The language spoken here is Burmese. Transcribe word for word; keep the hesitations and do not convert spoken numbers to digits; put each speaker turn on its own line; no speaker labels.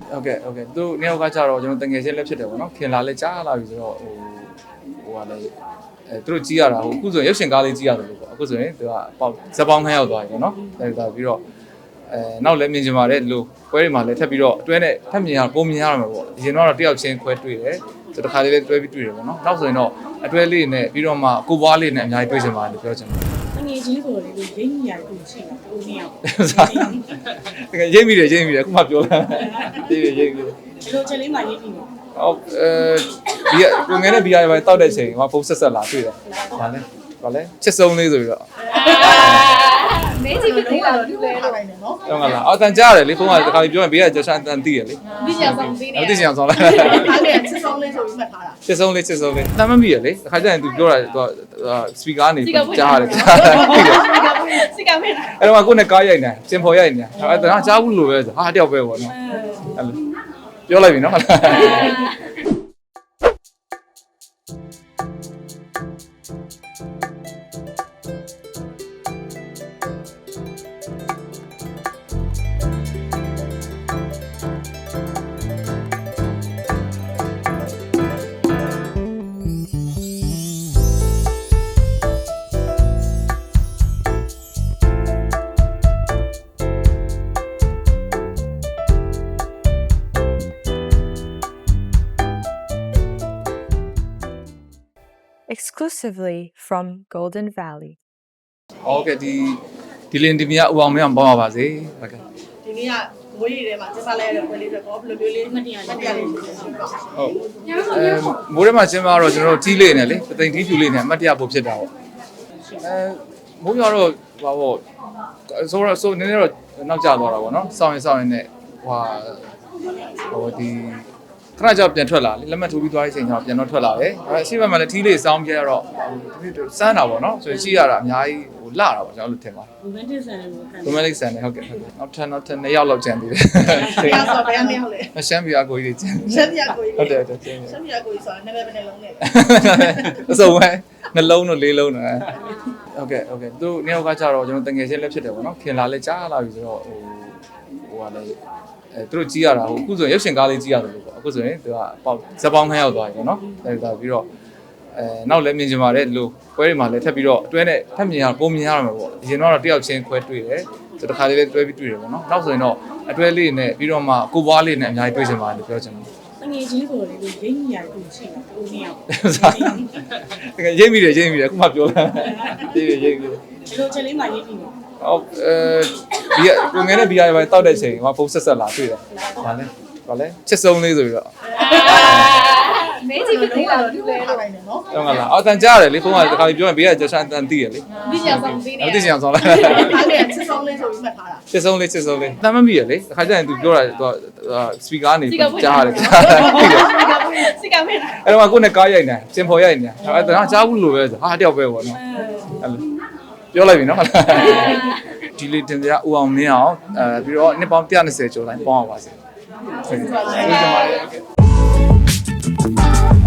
ok ok သူနှစ်ယောက်ကကြတော့ကျွန်တော်တငယ်ချင်းလက်ဖြစ်တယ်ပေါ့နော်ခင်လာလဲကြားလာပြီဆိုတော့ဟိုဟိုကလည်းအဲသူတို့ကြီးရတာဟိုအခုဆိုရင်ရုပ်ရှင်ကားလေးကြီးရတယ်လို့ပေါ့အခုဆိုရင်သူကပေါဇက်ပေါင်းခန်းရောက်သွားပြီပေါ့နော်ဒါဒါပြီးတော့အဲနောက်လည်းမြင်ချင်ပါတယ်ဒီလိုပွဲတွေမှာလည်းထပ်ပြီးတော့အတွဲနဲ့ထပ်မြင်ရပုံမြင်ရမှာပေါ့အရင်တော့တယောက်ချင်းခွဲတွေ့တယ်ဆိုတော့တစ်ခါလေးလည်းတွဲပြီးတွေ့တယ်ပေါ့နော်နောက်ဆိုရင်တော့အတွဲလေးနဲ့ပြီးတော့မှကိုပွားလေးနဲ့အများကြီးတွေ့ချင်ပါတယ်လို့ပြောချင်တယ်
ငယ်ချင်းဆိုတော့လေရိမ့်မိရတယ်ကိုရှိတာကိုနှစ်ယောက်
တကယ်ရိမ့်မိတယ်ရိမ့်မိတယ်အခုမှပြောလာရိမ့်ရိမ့်ရိမ့်
ဒီလိုချက်လေးမှရိမ့်မိပါ
ဟုတ်အဲဒီကိုငယ်နဲ့ဘီယာပဲတောက်တဲ့ချိန်ဟိုဖုန်းဆက်ဆက်လာတွေ့တယ်ဒါလည်းဘာလဲချစ်ဆုံးလေးဆိုပြီးတော့
မင်းကြီးမသိလားလူလဲတော့နိုင်တယ်နော်
ဟုတ်ကလားအော်တန်ကြားတယ်လေဖုန်းကတခါပြောရင်ဘေးကကျော်ချန်တန်သိရလေ
သိချင်ဆောင်သိနေ
သိချင်ဆောင်လား
အဲ့ဒါချစ်ဆုံးလေးဆိုပြီးမှတ်ထားတာ
ချစ်ဆုံးလေးချစ်ဆုံးလေးတမ်းမမိရလေတခါကျရင် तू ပြောတာ तू စပီကာနေကြားတယ်
စိတ်ကမဲ
အဲ့တော့ကိုနဲ့ကားရိုက်နေစင်ဖော်ရိုက်နေအဲ့ဒါကြားဘူးလို့ပဲဆိုဟာတယောက်ပဲပေါ့နော်အဲ့လိုပြောလိုက်ပြီနော်ဟုတ်လား
exclusively from Golden Valley.
ဟုတ်ကဲ့ဒီဒီလင်းဒီမြဦးအောင်မင်းအောင်ပေါင်းပါပါစေဟုတ်ကဲ့
ဒီနေ့ကငွေရည်ထဲမှာကျစားလိုက်ရတဲ့ပွဲလေးတွေတော့ဘယ်လိုမျိုးလေးမတရားလေးမတရားလေးဖြစ်နေပါ
ဟုတ်အဲမိုးထဲမှာကျင်းမှာတော့ကျွန်တော်တို့တီးလေးနဲ့လေပသိမ်တီးဖြူလေးနဲ့အမှတ်တရဖို့ဖြစ်တာပေါ့အဲမိုးရတော့ဘာပေါ့ဆိုတော့ဆိုနည်းနည်းတော့နောက်ကျသွားတာပေါ့နော်စောင်းရင်စောင်းရင်နဲ့ဟိုဟိုဒီခဏကြောက်ပြန်ထွက်လာလေလက်မှတ်ထိုးပြီးသွားတဲ့အချိန်ကျတော့ပြန်တော့ထွက်လာတယ်အဲအရှိဘက်မှာလည်းထီးလေးစောင်းပြရတော့စမ်းတာပေါ့နော်ဆိုရင်ရှိရတာအများကြီးဟိုလာတာပေါ့ကျွန်တော်တို့ထင်ပါတယ်
romantic ဆန်လေးကိုခံ
romantic ဆန်လေးဟုတ်ကဲ့ဟုတ်ကဲ့နောက်ထပ်နောက်ထပ်နှစ်ယောက်လောက်ကျန်သေးတယ်
တရားဆိုဘယ်နှစ်ယောက်လဲ
မရှမ်းပြာကိုကြီးတွေကျန်
ရှမ်းပြာကိုကြီး
ဟုတ်တယ်ဟုတ်တယ်ရှ
မ်းပြာကိုကြီးဆိုတာနာမည်ပဲနှလုံးနဲ့
အစုံပဲနှလုံးတို့လေးလုံးတို့ဟုတ်ကဲ့ဟုတ်ကဲ့သူနှစ်ယောက်ကကြတော့ကျွန်တော်တငယ်ချင်းလက်ဖြစ်တယ်ပေါ့နော်ခင်လာလဲကြားလာပြီဆိုတော့ဟိုဟိုကလည်းအဲသူတို့ကြီးရတာဟိုအခုဆိုရင်ရုပ်ရှင်ကားလေးကြီးရတယ်လို့ပေါ့အခုဆိုရင်သူကပေါဇက်ပေါင်းခန်းရောက်သွားပြီပေါ့နော်ဒါဒါပြီးတော့အဲနောက်လည်းမြင်ချင်ပါတယ်ဒီလိုပွဲတွေမှာလည်းထပ်ပြီးတော့အတွဲနဲ့ထပ်မြင်ရပုံမြင်ရမှာပေါ့အရင်တော့တယောက်ချင်းခွဲတွေ့တယ်ဆိုတော့တစ်ခါလေးလည်းတွဲပြီးတွေ့တယ်ပေါ့နော်နောက်ဆိုရင်တော့အတွဲလေးနဲ့ပြီးတော့မှကိုပွားလေးနဲ့အများကြီးတွေ့ချင်ပါတယ်လို့ပြောချင်တယ်
ငယ်ချင်းဆိုတော့လေရိမ့်မိရတယ်ကိုရှိတာကိုနှစ်ယောက်
တကယ်ရိမ့်မိတယ်ရိမ့်မိတယ်အခုမှပြောလာရိမ့်ရိမ့်ရိမ့်
ဒီလိုချက်လေးမှရိမ့်မိပါ
ဟုတ်အဲဒီကိုငယ်နဲ့ဘီယာပဲတောက်တဲ့ချိန်ဟိုဖုန်းဆက်ဆက်လာတွေ့တယ်ဘာလဲဘာလဲချစ်ဆုံးလေးဆိုပြီးတော့
မင်းကြီးမသိလားလူလဲတော့နိုင်တယ်နော်
ဟုတ်ကလားအော်တန်ကြားတယ်လေဖုန်းကတခါပြောရင်ဘေးကကျော်ချန်တန်သိရလေ
သိချင်ဆောင်သိနေ
သိချင်ဆောင်လား
အဲ့ဒါချစ်ဆုံးလေးဆိုပြီးမှတ်ထားတာ
ချစ်ဆုံးလေးချစ်ဆုံးလေးတမ်းမမိရလေတခါကျရင် तू ပြောတာ तू စပီကာနေကြားတယ်ကြားတယ်
စိတ်ကမဲ
အဲ့တော့ကိုနဲ့ကားရိုက်နေစင်ဖော်ရိုက်နေအဲ့ဒါကြားဘူးလို့ပဲဆိုဟာတယောက်ပဲပေါ့နော်အဲ့လိုပြောလိုက်ပြီနော်ဟုတ်လားဒီလေးတင်ပြဦးအောင်မင်းအောင်အဲပြီးတော့နှစ်ပေါင်းone hundred twentyကျော်တိုင်းပေါင်းအောင်ပါစေဟုတ်ကဲ့ကျေးဇူးတင်ပါတယ်